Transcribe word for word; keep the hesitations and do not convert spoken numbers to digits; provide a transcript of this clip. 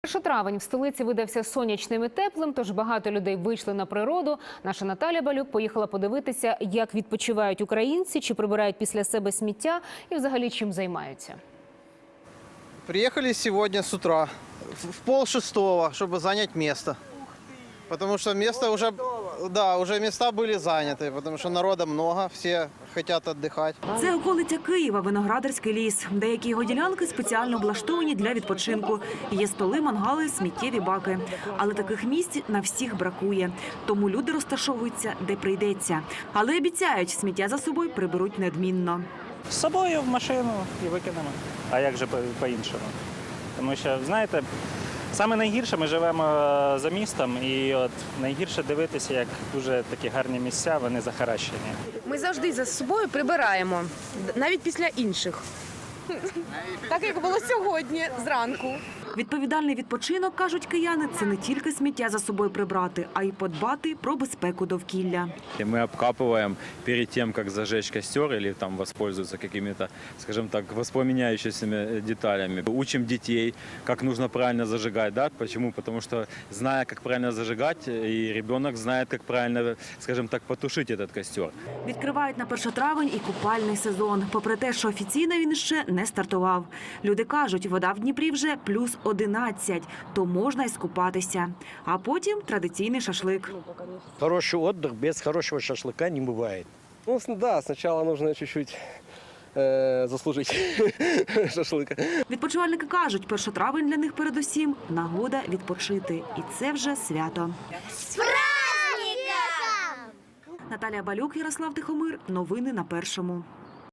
Перший травень в столиці видався сонячним і теплим, тож багато людей вийшли на природу. Наша Наталя Балюк поїхала подивитися, як відпочивають українці, чи прибирають після себе сміття і взагалі чим займаються. Приехали сегодня с утра, в пол шестого, чтобы занять место. Потому что место уже, да, уже места были заняты, потому что народа много, все хотят отдыхать. Це околиця Києва, Виноградарський ліс. Деякі його ділянки спеціально облаштовані для відпочинку. Є столи, мангали, сміттєві баки. Але таких місць на всіх бракує. Тому люди розташовуються, де прийдеться. Але обіцяють, сміття за собою приберуть неодмінно. З собою в машину і викинемо. А як же по-іншому? Тому що, знаєте, саме найгірше ми живемо за містом, і от найгірше дивитися, як дуже такі гарні місця, вони захаращені. Ми завжди за собою прибираємо, навіть після інших. Так, як було сьогодні зранку. Відповідальний відпочинок, кажуть кияни, це не тільки сміття за собою прибрати, а й подбати про безпеку довкілля. Мы обкапываем перед тем, как зажечь костер или там воспользоваться какими-то, скажем так, воспламеняющимися деталями. Учим детей, как нужно правильно зажигать. Да? Почему? Потому что, зная, как правильно зажигать, и ребенок знает, как правильно, скажем так, потушить этот костер. Відкривають на перший травень і купальний сезон. Попри те, що офіційно він ще не стартував. Люди кажуть, вода в Дніпрі вже плюс одинадцять, то можна й скупатися. А потім традиційний шашлик. Хороший отдых без хорошего шашлыка не бывает. Ну, да, сначала нужно чуть-чуть э, заслужить шашлыка. Відпочивальники кажуть, перший травень для них передусім – нагода відпочити. І це вже свято. З праздником! Наталія Балюк, Ярослав Тихомир. Новини на Першому.